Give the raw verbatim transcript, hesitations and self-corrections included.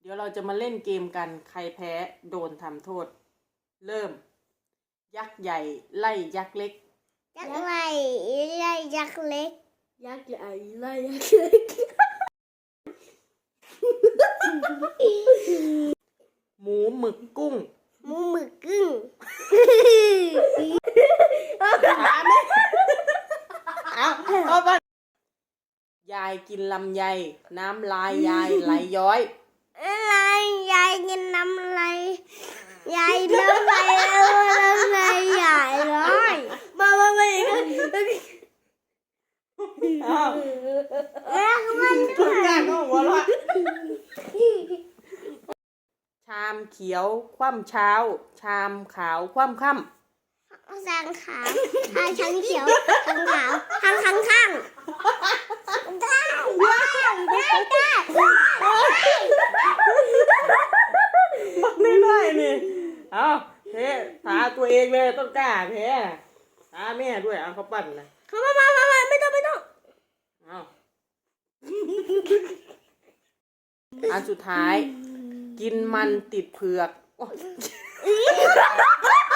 เดี๋ยวเราจะมาเล่นเกมกันใครแพ้โดนทำโทษเริ่มยักษ์ใหญ่ไล่ยักษ์เล็กยักษ์ใหญ่ไล่ยักษ์เล็กยักษ์ใหญ่ไล่ยักษ์เล็กหมูหมึกกุ้งหมูหมึกกึ้งเอาเอาไปยายกินลำไยน้ำลายยายไหลย้อยอะไรยายกินน้ำอะไรยายน้ำอะไรน้ำอะไรใหญ่ร้อยมามามาอีกอ้าวแล้วมันทุกอย่างก็หัวเราะชามเขียวคว่ำเช้าชามขาวคว่ำค่ำสางขาวทางช้างเขียวทางขาวทางข้างข้างได้ได้ได้ได้มันไม่ได้นี่เอาเพ้ทาตัวเองเลยต้องกล้าเพ้ทาแม่ด้วยเอาเขาปั้นนะเขามามามามาไม่ต้องไม่ต้องเอาอันสุดท้าย กินมันติดเผือกโอ๊ย